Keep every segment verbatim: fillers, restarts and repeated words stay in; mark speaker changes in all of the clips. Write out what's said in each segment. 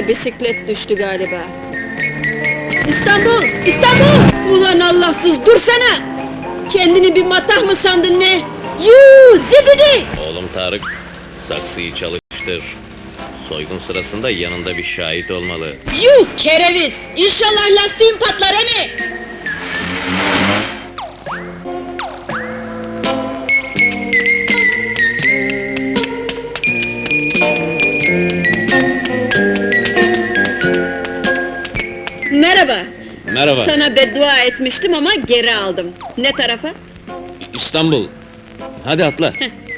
Speaker 1: bisiklet düştü galiba. İstanbul! İstanbul! Ulan Allahsız, dursana! Kendini bir matah mı sandın ne? Yuu, zibidi!
Speaker 2: Oğlum Tarık, saksıyı çalıştır. Soygun sırasında yanında bir şahit olmalı.
Speaker 1: Yuh kereviz! İnşallah lastiğin patlar hani! Merhaba!
Speaker 2: Merhaba.
Speaker 1: Sana beddua etmiştim ama geri aldım. Ne tarafa?
Speaker 2: İstanbul. Hadi atla.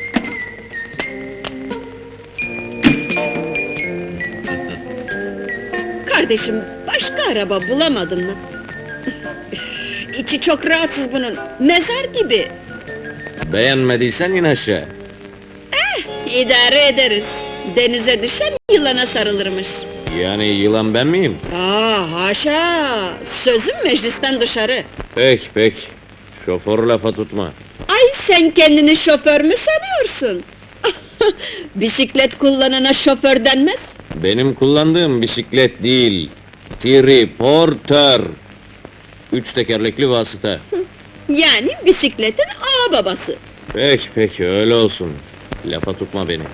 Speaker 1: Kardeşim, başka araba bulamadın mı? İçi çok rahatsız bunun, mezar gibi.
Speaker 2: Beğenmediysen in aşağı.
Speaker 1: İdare ederiz. Denize düşen yılana sarılırmış.
Speaker 2: Yani yılan ben miyim?
Speaker 1: Aa, haşa! Sözüm meclisten dışarı.
Speaker 2: Pek pek. Şoför lafa tutma.
Speaker 1: Ay sen kendini şoför mü sanıyorsun? Bisiklet kullanana şoför denmez.
Speaker 2: Benim kullandığım bisiklet değil. Triportör. Üç tekerlekli vasıta.
Speaker 1: Yani bisikletin ağa babası.
Speaker 2: Pek pek öyle olsun. Lafa tutma beni.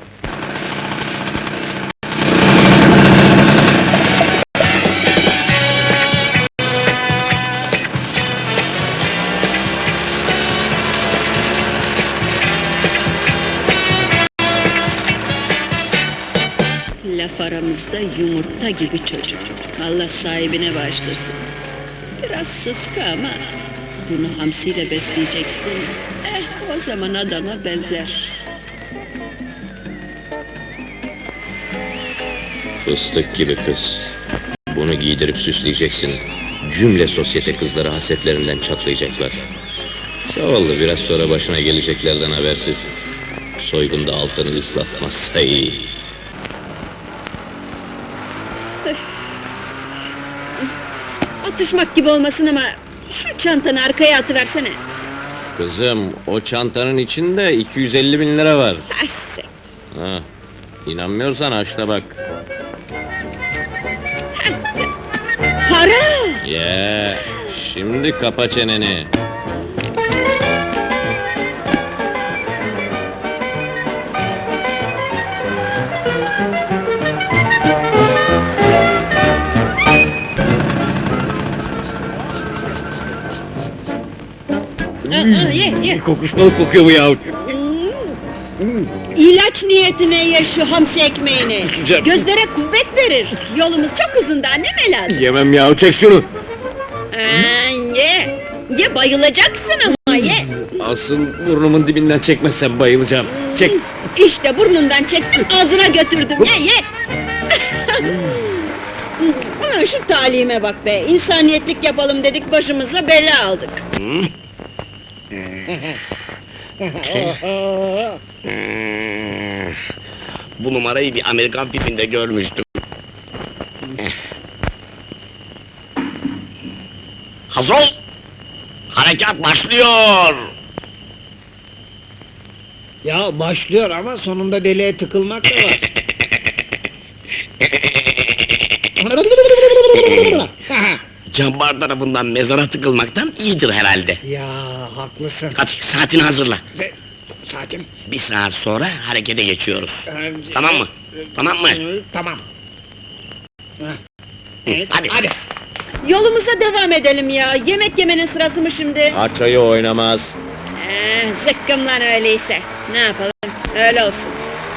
Speaker 1: Laf aramızda yumurta gibi çocuk. Allah sahibine bağışlasın. Biraz sıska ama bunu hamsiyle besleyeceksin. Eh, o zaman adama benzer.
Speaker 2: Fıstık gibi kız. Bunu giydirip süsleyeceksin. Cümle sosyete kızları hasetlerinden çatlayacaklar. Zavallı biraz sonra başına geleceklerden habersiz. Soygunda altını ıslatmazsa iyi.
Speaker 1: Atışmak gibi olmasın ama şu çantanı arkaya atıversene.
Speaker 2: Kızım, o çantanın içinde iki yüz elli bin lira var.
Speaker 1: Hasset.
Speaker 2: Ha, inanmıyorsan aç da bak.
Speaker 1: Para!
Speaker 2: Ya, şimdi kapa çeneni.
Speaker 1: Aa, ye, ye.
Speaker 2: Kokuşmalı kokuyor bu ya.
Speaker 1: İlaç niyetine ye şu hamsi ekmeğini.
Speaker 2: Kusacağım.
Speaker 1: Gözlere kuvvet verir. Yolumuz çok uzun daha, ne melaz?
Speaker 2: Yemem ya, çek şunu.
Speaker 1: Aa, ye! Ye, bayılacaksın ama ye!
Speaker 2: Asıl burnumun dibinden çekmezsem bayılacağım. Çek.
Speaker 1: İşte burnundan çektim, ağzına götürdüm, ye ye! Ulan şu talime bak be, insaniyetlik yapalım dedik, başımıza bela aldık.
Speaker 3: Bu numarayı bir Amerikan filminde görmüştüm. Hazır ol! Harekat başlıyor!
Speaker 4: Ya başlıyor ama sonunda deliğe tıkılmak da var.
Speaker 3: Cabbar tarafından mezara tıkılmaktan iyidir herhalde.
Speaker 4: Ya haklısın.
Speaker 3: Hadi saatini hazırla.
Speaker 4: Ve saatim.
Speaker 3: Bir saat sonra harekete geçiyoruz.
Speaker 4: Ee,
Speaker 3: Tamam mı? Tamam mı?
Speaker 4: Ee, Tamam. Heh. Evet,
Speaker 3: Hadi.
Speaker 4: hadi.
Speaker 1: Yolumuza devam edelim ya, yemek yemenin sırası mı şimdi?
Speaker 2: Açayı oynamaz.
Speaker 1: Ee, zıkkım lan öyleyse, ne yapalım, öyle olsun.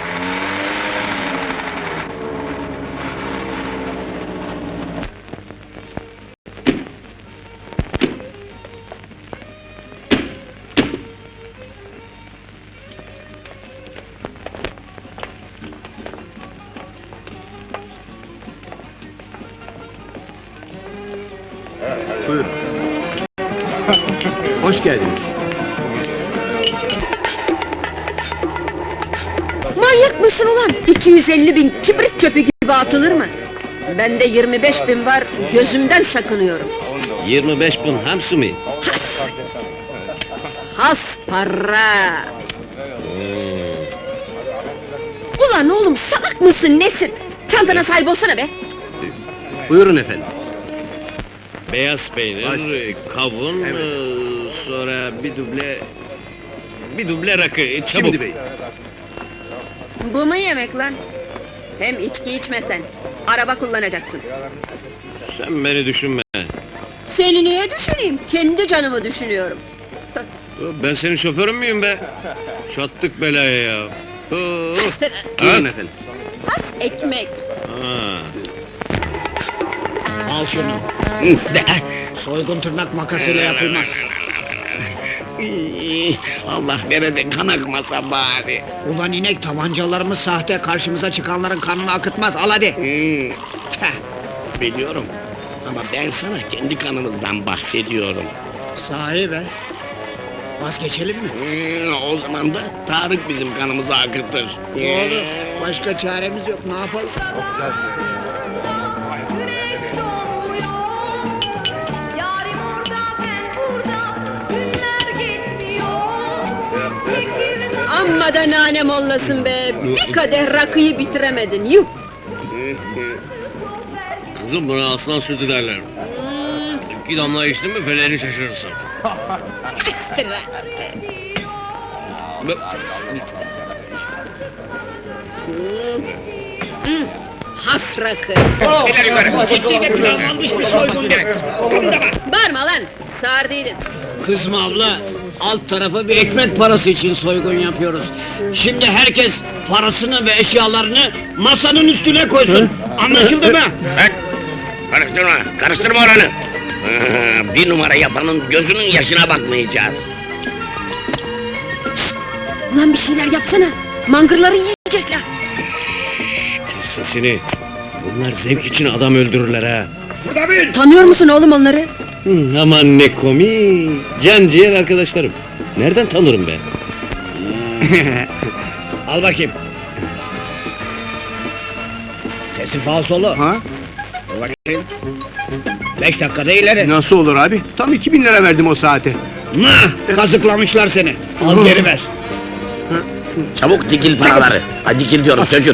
Speaker 5: Buyurun. Hoş geldiniz.
Speaker 1: Manyak mısın ulan? iki yüz elli bin kibrit çöpü gibi atılır mı? Bende yirmi beş bin var, gözümden sakınıyorum.
Speaker 2: yirmi beş bin hamsi mi?
Speaker 1: Has! Has para!
Speaker 2: Hmm.
Speaker 1: Ulan oğlum, salak mısın, nesin? Çantana sahip olsana be!
Speaker 3: Buyurun efendim.
Speaker 2: Beyaz peynir, kavun,
Speaker 3: Evet.
Speaker 2: eee, sonra bir duble... Bir duble rakı, çabuk!
Speaker 3: Şimdi bey.
Speaker 1: Bu mu yemek lan? Hem içki içmesen, araba kullanacaksın.
Speaker 2: Sen beni düşünme!
Speaker 1: Seni niye düşüneyim? Kendi canımı düşünüyorum.
Speaker 2: Ben senin şoförün müyüm be? Çattık belaya ya! Oo!
Speaker 3: Buyurun efendim.
Speaker 1: Has ekmek.
Speaker 2: Ha.
Speaker 4: Al şunu. Soygun tırnak makasıyla yapılmaz.
Speaker 3: İyi, Allah nerede kan akmasa bari.
Speaker 4: Ulan inek, tabancalarımız sahte, karşımıza çıkanların kanını akıtmaz. Al hadi.
Speaker 3: Hmm, teh, biliyorum. Ama ben sana kendi kanımızdan bahsediyorum.
Speaker 4: Sahi be. Vazgeçelim mi?
Speaker 3: Hmm, o zaman da Tarık bizim kanımızı akıtır.
Speaker 4: Doğru. Başka çaremiz yok. Ne yapalım?
Speaker 5: Güneş doğmuyor, yarim orada ben burada, günler geçmiyor. Fikir
Speaker 1: Amma da nane mollasın be! Bir kadeh rakıyı bitiremedin, yuh!
Speaker 2: Kızım buna aslan sütü derler. İki damla içtin mi feleğini şaşırırsın.
Speaker 1: Has rakı!
Speaker 4: Ciddi de planlanmış bir soygun.
Speaker 1: Bağırma lan! Sağır değiliz.
Speaker 4: Kızma abla. Alt tarafı bir ekmek parası için soygun yapıyoruz. Şimdi herkes parasını ve eşyalarını masanın üstüne koysun. Anlaşıldı mı?
Speaker 3: Bak, karıştırma, karıştırma oranı. Ee, bir numara yapanın gözünün yaşına bakmayacağız.
Speaker 1: Ulan bir şeyler yapsana! Mangırları yiyecekler!
Speaker 2: Kes sesini! Bunlar zevk için adam öldürürler ha!
Speaker 1: Tanıyor musun oğlum onları?
Speaker 2: Hı, aman ne komik! Can ciğer arkadaşlarım! Nereden tanırım be?
Speaker 4: Al bakayım. Sesi falsolu.
Speaker 3: Ha?
Speaker 4: Bakayım. Beş dakikada ileri.
Speaker 3: Nasıl olur abi? Tam iki bin lira verdim o saate.
Speaker 4: Mah! Kazıklamışlar seni. Al geri ver.
Speaker 3: Çabuk dikil paraları. Hadi dikil diyorum, sökül.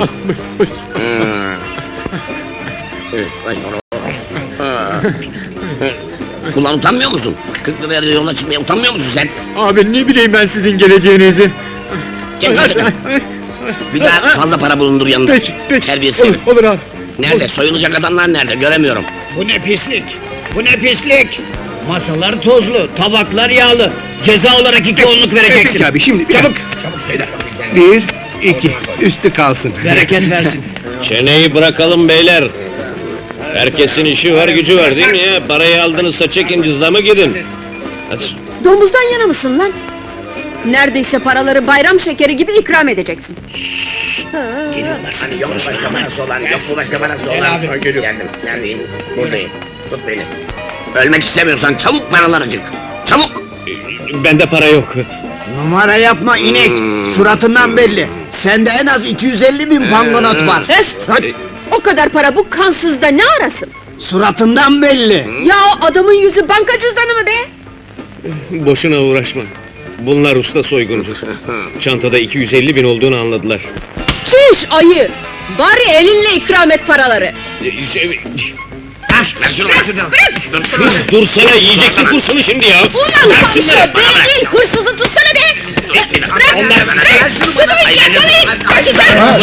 Speaker 3: Ulan utanmıyor musun? kırk liraya yola çıkmaya utanmıyor musun sen?
Speaker 6: Abi ne bileyim ben sizin geleceğinizi.
Speaker 3: Gel sakın. Bir daha fazla para bulundur yanında.
Speaker 6: Peki, peki.
Speaker 3: Terbiyesiz.
Speaker 6: Olur, olur abi.
Speaker 3: Nerede? Soyulacak adamlar nerede? Göremiyorum.
Speaker 4: Bu ne pislik? Bu ne pislik? Masalar tozlu, tabaklar yağlı. Ceza olarak iki onluk vereceksin.
Speaker 6: Peki abi şimdi bir
Speaker 4: Çabuk.
Speaker 6: Bir, iki, üstü kalsın.
Speaker 4: Bereket versin.
Speaker 2: Çeneyi bırakalım beyler! Herkesin işi var gücü var değil mi ya? Parayı aldınızsa çekin cüzdanımı gidin! Hadi!
Speaker 1: Domuzdan yana mısın lan? Neredeyse paraları bayram şekeri gibi ikram edeceksin.
Speaker 3: Geliyorlar hani yok mu başka parası olan, yok mu başka parası olan?
Speaker 4: Gel abi.
Speaker 3: Geldim, neredeyim? Buradayım. Tut beni. Ölmek istemiyorsan çabuk paraları çık. Çabuk!
Speaker 2: Bende para yok!
Speaker 4: Numara yapma inek.
Speaker 3: Hmm.
Speaker 4: Suratından belli. Sende en az iki yüz elli bin pangonot var.
Speaker 1: Rest! O kadar para bu kansızda ne arasın?
Speaker 4: Suratından belli.
Speaker 1: Ya o adamın yüzü banka cüzdanı mı be?
Speaker 2: Boşuna uğraşma! Bunlar usta soyguncu. Çantada iki yüz elli bin olduğunu anladılar.
Speaker 1: Çüş ayı! Bari elinle ikram et paraları!
Speaker 2: Şey,
Speaker 3: Ver şunu, ver şunu. Dur,
Speaker 2: Kız dursana yiyeceksin kursunu şimdi ya!
Speaker 1: Ulan fahişe! Beni değil hırsızı tutsana be! Bırak! Bırak! Tutumu yakalayın! Kaçacağım!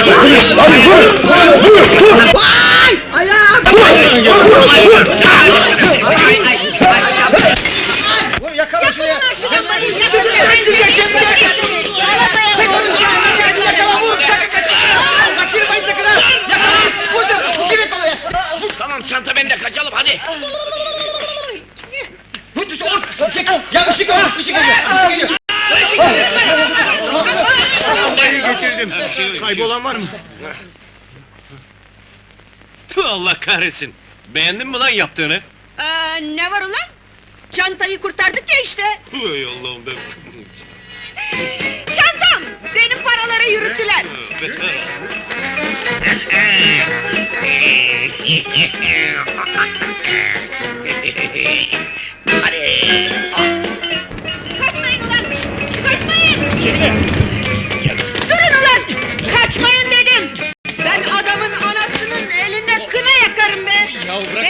Speaker 1: Vay! Ayağım!
Speaker 4: Yakala şuraya.
Speaker 1: Yakala şunu bari!
Speaker 4: Yakala vur. Kaçırmayın sakın ha. Yakala. Vur. Kimi kolaya.
Speaker 3: Tamam çanta bende, kaçalım hadi.
Speaker 4: Çek. Ya ışık ol. Işık ol.
Speaker 6: Vallahi getirdim. Kaybolan var mı?
Speaker 2: Tüh, Allah kahretsin! Beğendin mi lan yaptığını?
Speaker 1: Aa, ne var ulan? Çantayı kurtardık ya işte!
Speaker 2: Ey Allah'ım be!
Speaker 1: Çantam! Benim paraları yürüttüler!
Speaker 2: Beter!
Speaker 3: Hadi.
Speaker 1: Kaçmayın ulan! Kaçmayın! Durun ulan! Kaçmayın dedim! Ben adamın anasının eline kına yakarım be!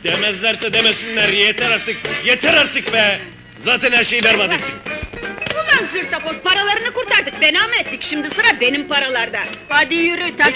Speaker 7: Demezlerse demesinler, yeter artık, yeter artık be! Zaten her şeyi berbat ettik.
Speaker 1: Ulan zırtapoz, paralarını kurtardık, fena mı ettik? Şimdi sıra benim paralarda. Hadi yürü, tak